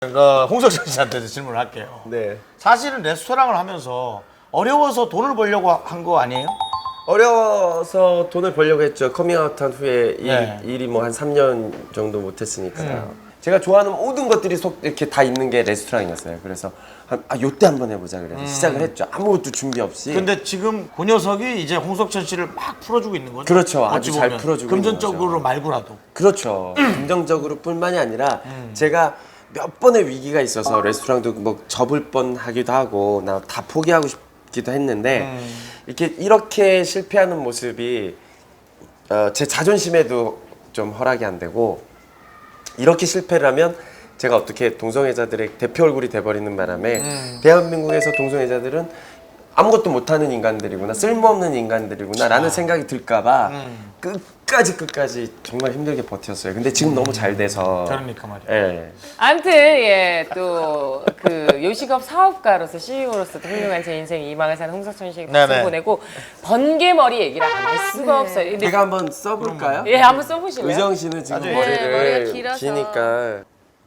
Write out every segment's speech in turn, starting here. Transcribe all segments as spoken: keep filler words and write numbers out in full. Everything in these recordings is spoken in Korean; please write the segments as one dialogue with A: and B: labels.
A: 그 홍석천 씨한테 질문을 할게요.
B: 네.
A: 사실은 레스토랑을 하면서 어려워서 돈을 벌려고 한 거 아니에요?
B: 어려워서 돈을 벌려고 했죠. 커밍아웃한 후에
A: 네.
B: 일, 일이 뭐 한 삼 년 정도 못했으니까. 음. 제가 좋아하는 모든 것들이 속 이렇게 다 있는 게 레스토랑이었어요. 그래서 한, 아 요때 한번 해보자 그래서 음. 시작을 했죠. 아무것도 준비 없이.
A: 근데 지금 그 녀석이 이제 홍석천 씨를 막 풀어주고 있는 거죠?
B: 그렇죠.
A: 어찌
B: 아주 잘
A: 보면.
B: 풀어주고
A: 금전적으로
B: 있는 거죠.
A: 말고라도.
B: 그렇죠. 긍정적으로 뿐만이 아니라
A: 음.
B: 제가 몇 번의 위기가 있어서 레스토랑도 뭐 접을 뻔하기도 하고 나 다 포기하고 싶기도 했는데
A: 음.
B: 이렇게 이렇게 실패하는 모습이 어, 제 자존심에도 좀 허락이 안 되고 이렇게 실패를 하면 제가 어떻게 동성애자들의 대표 얼굴이 돼버리는 바람에
A: 음.
B: 대한민국에서 동성애자들은 아무것도 못하는 인간들이구나 쓸모없는 인간들이구나 라는 생각이 들까봐
A: 음.
B: 끝까지 끝까지 정말 힘들게 버텼어요. 근데 지금 너무 잘 돼서
A: 그러니까 말이야.
B: 예.
C: 아무튼 예, 또 그 요식업 사업가로서 씨이오로서 도 훌륭한 제 인생 이망을 사는 홍석천 씨에게 박수
A: 네네.
C: 보내고 번개머리 얘기를 안 할 수가 없어요. 근데
B: 제가 한번 써볼까요?
C: 예, 한번 써보실래요?
B: 의정 씨는 지금
A: 나중에.
B: 머리를
D: 네, 머리가 길어서.
B: 기니까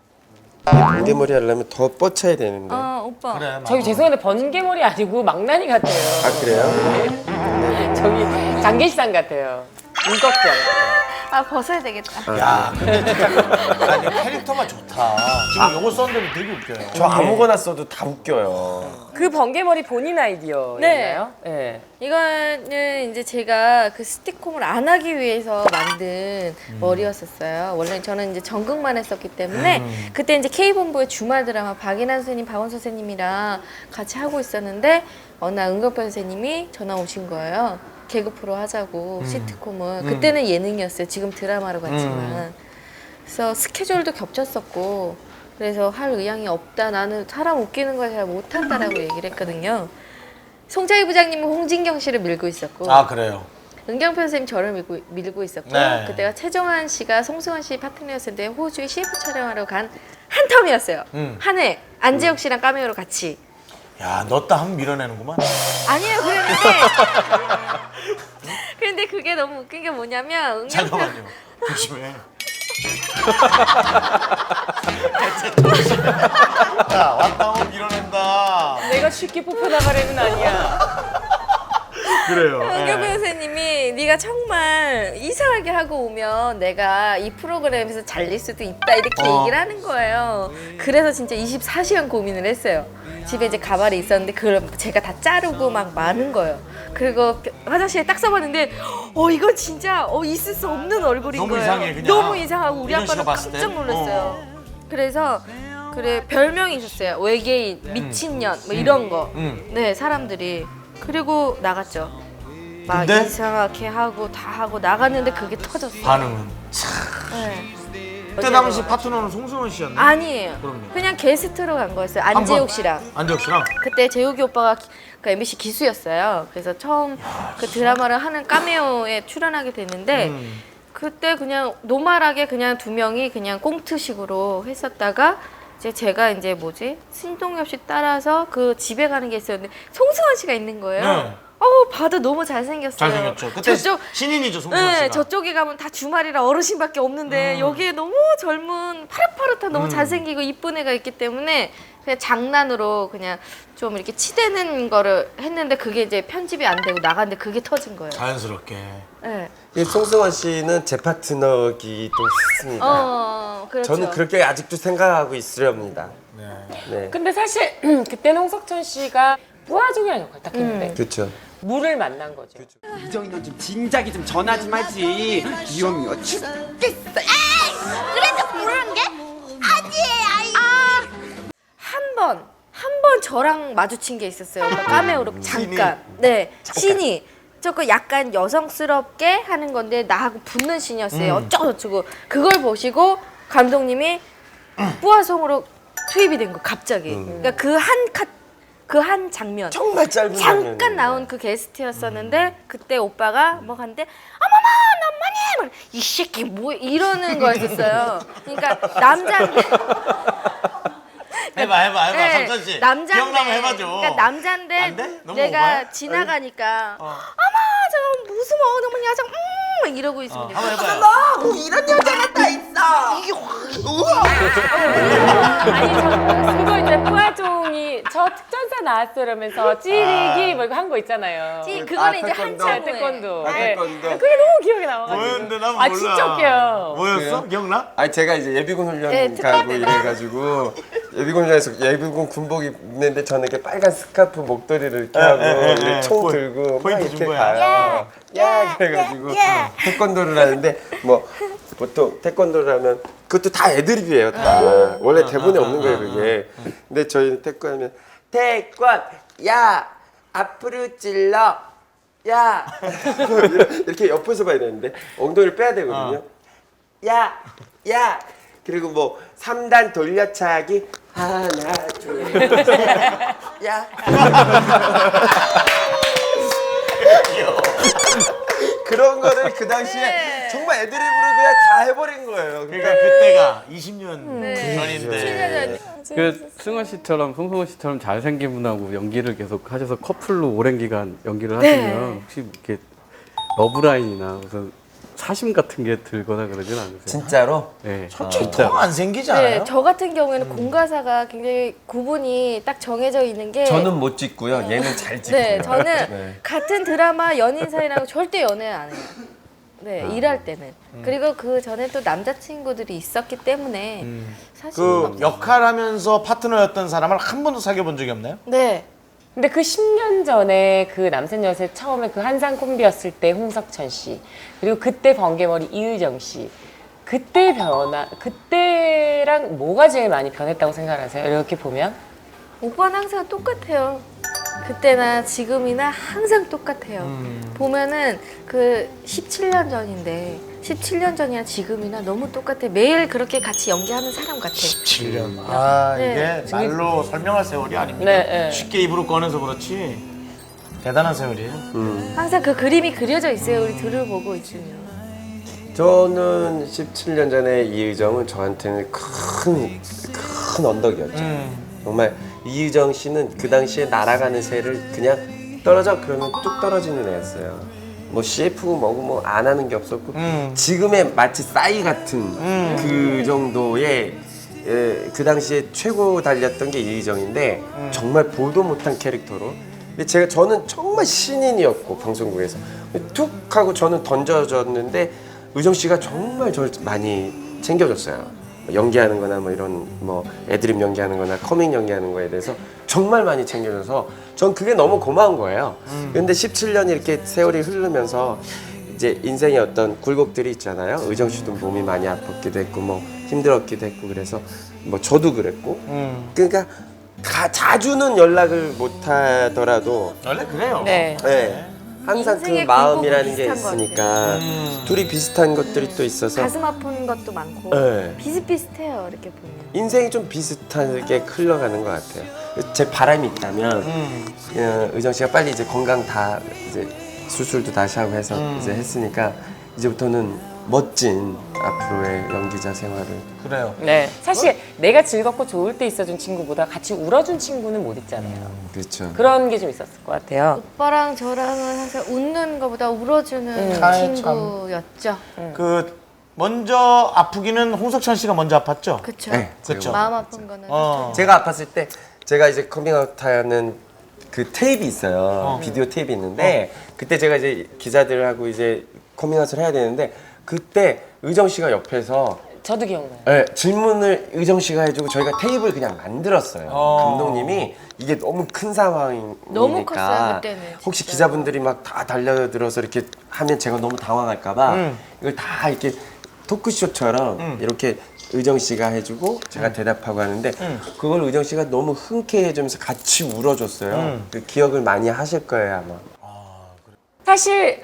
B: 번개머리 하려면 더 뻗쳐야 되는데.
D: 어 오빠
A: 그래, 맞아.
C: 저기 죄송한데 번개머리 아니고 망나니 같아요.
B: 아 그래요?
C: 저기 장계시상 같아요. 인격적.
D: 아 벗어야 되겠다.
A: 야, 근데 진짜 아니, 캐릭터가 좋다. 지금 요거 썼는데 되게 웃겨요.
B: 저 아무거나 써도 다 웃겨요.
C: 그 번개머리 본인 아이디어인가요? 네.
D: 이거는 이제 제가 그 스티콤을 안 하기 위해서 만든 머리였었어요. 원래 저는 이제 전극만 했었기 때문에
A: 음.
D: 그때 이제 K본부의 주말 드라마 박인환 선생님, 박원 선생님이랑 같이 하고 있었는데 어느 날 은경표 선생님이 전화 오신 거예요. 개그 프로 하자고
A: 음.
D: 시트콤을. 그때는 예능이었어요. 지금 드라마로 갔지만.
A: 음.
D: 그래서 스케줄도 겹쳤었고 그래서 할 의향이 없다. 나는 사람 웃기는 걸 잘 못한다라고 얘기를 했거든요. 송자희 부장님은 홍진경 씨를 밀고 있었고
A: 아, 그래요.
D: 은경표 선생님 저를 밀고, 밀고 있었고
A: 네.
D: 그때가 최정환 씨가 송승헌 씨 파트너였는데 호주에 씨에프 촬영하러 간 한 텀이었어요.
A: 음.
D: 한 해. 안재욱 씨랑 까메오로 같이.
A: 야, 넣었다 하면 밀어내는구만.
D: 아니에요. 그랬는데 그런데 그게 너무 웃긴 게 뭐냐면 은경표
A: 잠깐만요. 조심해. 야, 왔다 하면 밀어낸다.
C: 내가 쉽게 뽑혀나가려는 아니야.
A: 그래요.
D: 은경표
A: 예.
D: 선생님이 네가 정말 이상하게 하고 오면 내가 이 프로그램에서 잘릴 수도 있다 이렇게
A: 어.
D: 얘기를 하는 거예요. 그래서 진짜 이십사 시간 고민을 했어요. 집에 이제 가발이 있었는데 그걸 제가 다 자르고 막 많은 거예요. 그리고 화장실에 딱 써봤는데 어 이건 진짜 어 있을 수 없는 얼굴인
A: 너무
D: 거예요.
A: 이상해, 그냥.
D: 너무 이상하고 우리
A: 민현 씨가
D: 아빠는
A: 봤을 때?
D: 깜짝 놀랐어요. 그래서 그래 별명이 있었어요. 외계인, 미친년 뭐 이런 거.
A: 음.
D: 네 사람들이. 그리고 나갔죠. 막
A: 근데?
D: 이상하게 하고 다 하고 나갔는데 그게 터졌어요.
A: 반응은.
D: 네.
A: 그때 당시 파트너는 송승헌 씨였나?
D: 아니에요.
A: 그럼요.
D: 그냥 게스트로 간 거였어요.
A: 한 번?
D: 안재욱 씨랑.
A: 안재욱 씨랑?
D: 그때 재욱이 오빠가 그 엠비씨 기수였어요. 그래서 처음 그 드라마를 하는 까메오에 출연하게 됐는데
A: 음.
D: 그때 그냥 노멀하게 그냥 두 명이 그냥 꽁트식으로 했었다가 이제 제가 이제 뭐지 신동엽 씨 따라서 그 집에 가는 게 있었는데 송승헌 씨가 있는 거예요.
A: 네.
D: 어우 봐도 너무 잘생겼어요.
A: 잘생겼죠. 그때
D: 저쪽
A: 신인이죠, 송승헌
D: 네,
A: 씨가.
D: 저쪽에 가면 다 주말이라 어르신밖에 없는데
A: 음.
D: 여기에 너무 젊은 파릇파릇한 너무
A: 음.
D: 잘생기고 이쁜 애가 있기 때문에 그냥 장난으로 그냥 좀 이렇게 치대는 거를 했는데 그게 이제 편집이 안 되고 나갔는데 그게 터진 거예요.
A: 자연스럽게.
D: 네.
B: 이 송승헌 씨는 제 파트너기도 했습니다.
D: 어, 그렇죠.
B: 저는 그렇게 아직도 생각하고 있으렵니다.
A: 네.
B: 네.
C: 근데 사실 그때는 홍석천 씨가 뿌아죽이라는 역할 딱 했는데
B: 그렇죠.
C: 물을 만난 거죠.
E: 이정이 너 좀 진작에 좀 전화 좀 하지. 위험이야 죽겠어.
F: 그래도 모르는 게 아니에요. 아이.
D: 한 번, 한 번 저랑 마주친 게 있었어요. 오빠 까메오로 잠깐. 네, 신이. 저거 약간 여성스럽게 하는 건데 나하고 붙는 신이었어요.
A: 음.
D: 어쩌고 저쩌고. 그걸 보시고 감독님이 뿌아송으로 투입이 된 거 갑자기. 그러니까 그 한 컷, 그 한 장면.
B: 정말 짧은
D: 잠깐
B: 장면이에요.
D: 나온 그 게스트였었는데 그때 오빠가 뭐 하는데 어머머 너무니 이 새끼 뭐 이러는 거였었어요. 그러니까 남자인데
A: 해봐, 해봐, 해봐.
D: 네,
A: 석천 씨.
D: 남자인데
A: 기억나면 해봐줘.
D: 그러니까 남자인데
A: 안 돼? 너무
D: 내가
A: 오바야?
D: 지나가니까
A: 어.
D: 어머 저 무슨 뭐 너무 야장 음 막 이러고 있으면 돼요.
A: 한번 해봐요.
B: 뭐 이런 여자가 다 있어.
C: 아니 저 그거 이제 푸아종이 저 특전사 나왔으면서 찌르기 뭐 이거 한 거 있잖아요.
D: 찌-
B: 아,
D: 그거는 이제
B: 태권도.
D: 한참
C: 네,
D: 후에.
C: 태권도.
B: 아,
C: 네.
B: 태권도.
C: 그게 너무 기억에 남아가지고.
A: 뭐였는데 난
C: 아
A: 몰라.
C: 진짜 웃겨요.
A: 뭐였어?
B: 그래요?
A: 기억나?
B: 아니 제가 이제 예비군 훈련
D: 네,
B: 가고
D: 특별
B: 이래가지고 예비군 훈련에서 예비군 군복 입는데 저는 이렇게 빨간 스카프 목도리를 이렇게 하고
A: 에, 에,
B: 이렇게
A: 에.
B: 총
A: 포-
B: 들고 막
A: 포인트
B: 이렇게
A: 준 거야.
B: 가요. 야, 그래가지고 태권도를 하는데 뭐 보통 태권도를 하면 그것도 다 애드립이에요. 다 원래 대본에 없는 거예요 그게. 근데 저희는 태권 하면 태권 야 앞으로 찔러 야 이렇게 옆에서 봐야 되는데 엉덩이를 빼야 되거든요. 야, 야. 그리고 뭐 삼 단 돌려차기 하나, 둘, 셋. 야. 그런 거를 그 당시에 정말 애드립으로 그냥 다 해버린 거예요.
A: 그러니까 그때가 이십 년
D: 네.
A: 전인데.
G: 그 승원 씨처럼 송승헌 씨처럼 잘생긴 분하고 연기를 계속 하셔서 커플로 오랜 기간 연기를 하시면 혹시 이렇게 러브라인이나 무슨 사심 같은 게 들거나 그러진 않으세요?
B: 진짜로?
G: 네.
A: 솔직히 더 안 생기지 않아요?
D: 네, 저 같은 경우에는 공과사가 굉장히 구분이 딱 정해져 있는 게
B: 저는 못 찍고요. 얘는 잘 찍고요.
D: 네, 저는
B: 네.
D: 같은 드라마 연인 사이라고 절대 연애 안 해요. 네,
B: 아.
D: 일할 때는. 그리고 그 전에 또 남자친구들이 있었기 때문에 사실
A: 그 역할하면서 파트너였던 사람을 한 번도 사귀어 본 적이 없나요?
D: 네.
C: 근데 그 십 년 전에 그 남산 여세 처음에 그 한상 콤비였을 때 홍석천 씨 그리고 그때 번개머리 이의정 씨 그때 변화 그때랑 뭐가 제일 많이 변했다고 생각하세요? 이렇게 보면
D: 오빠는 항상 똑같아요. 그때나 지금이나 항상 똑같아요. 보면은 그 십칠 년 전인데 십칠 년 전이나 지금이나 너무 똑같아. 매일 그렇게 같이 연기하는 사람 같아.
A: 십칠 년. 아
D: 네.
A: 이게 말로 설명할 세월이 아닙니다.
C: 네, 네.
A: 쉽게 입으로 꺼내서 그렇지 대단한 세월이에요.
D: 항상 그 그림이 그려져 있어요. 우리 둘을 보고 있으면.
B: 저는 십칠 년 전에 이의정은 저한테는 큰, 큰 언덕이었죠.
A: 음.
B: 정말 이의정 씨는 그 당시에 날아가는 새를 그냥 떨어져 그러면 뚝 떨어지는 애였어요. 뭐 씨에프고 뭐고 뭐 안 하는 게 없었고
A: 음.
B: 지금의 마치 싸이 같은
A: 음.
B: 그 정도의 예, 그 당시에 최고 달렸던 게 이의정인데
A: 음.
B: 정말 보도 못한 캐릭터로 근데 제가 저는 정말 신인이었고 방송국에서 툭 하고 저는 던져졌는데 의정 씨가 정말 저를 많이 챙겨줬어요. 연기하는 거나 뭐 이런 뭐 애드립 연기하는 거나 커밍 연기하는 거에 대해서 정말 많이 챙겨줘서 전 그게 너무 고마운 거예요. 근데 십칠 년이 이렇게 세월이 흐르면서 이제 인생의 어떤 굴곡들이 있잖아요. 의정 씨도 몸이 많이 아팠기도 했고 뭐 힘들었기도 했고 그래서 뭐 저도 그랬고
A: 음.
B: 그러니까 다 자주는 연락을 못 하더라도
A: 원래 그래요.
C: 네.
B: 네. 항상 그
D: 인생의
B: 마음이라는 게
D: 굴곡이 비슷한 것
B: 있으니까
A: 음.
B: 둘이 비슷한 것들이 또 있어서
D: 가슴 아픈 것도 많고
B: 네.
D: 비슷비슷해요. 이렇게 보면.
B: 인생이 좀 비슷하게 흘러가는 것 같아요. 제 바람이 있다면
A: 음.
B: 어, 의정 씨가 빨리 이제 건강 다 이제 수술도 다시 하고 해서
A: 음.
B: 이제 했으니까 이제부터는 멋진 앞으로의 연기자 생활을
A: 그래요.
C: 네. 사실 내가 즐겁고 좋을 때 있어준 친구보다 같이 울어준 친구는 못 있잖아요.
B: 그렇죠.
C: 그런 게 좀 있었을 것 같아요.
D: 오빠랑 저랑은 항상 웃는 것보다 울어주는
A: 아이,
D: 친구였죠.
A: 그 먼저 아프기는 홍석천 씨가 먼저 아팠죠.
D: 그쵸.
B: 네,
A: 그쵸.
D: 마음 아픈 거는.
A: 어.
B: 제가 아팠을 때 제가 이제 커밍아웃하는 그 테이프 있어요. 비디오 테이프 있는데 그때 제가 이제 기자들하고 이제 커밍아웃을 해야 되는데 그때 의정 씨가 옆에서
C: 저도 기억나요.
B: 네, 질문을 의정 씨가 해주고 저희가 테이프를 그냥 만들었어요.
A: 어.
B: 감독님이 이게 너무 큰 상황이니까
D: 너무 컸어요, 그때는,
B: 혹시
D: 진짜.
B: 기자분들이 막 다 달려들어서 이렇게 하면 제가 너무 당황할까봐
A: 음.
B: 이걸 다 이렇게 토크쇼처럼
A: 음.
B: 이렇게 의정 씨가 해주고 제가 대답하고 하는데 그걸 의정 씨가 너무 흔쾌히 해주면서 같이 울어줬어요.
A: 음.
B: 그 기억을 많이 하실 거예요 아마.
C: 사실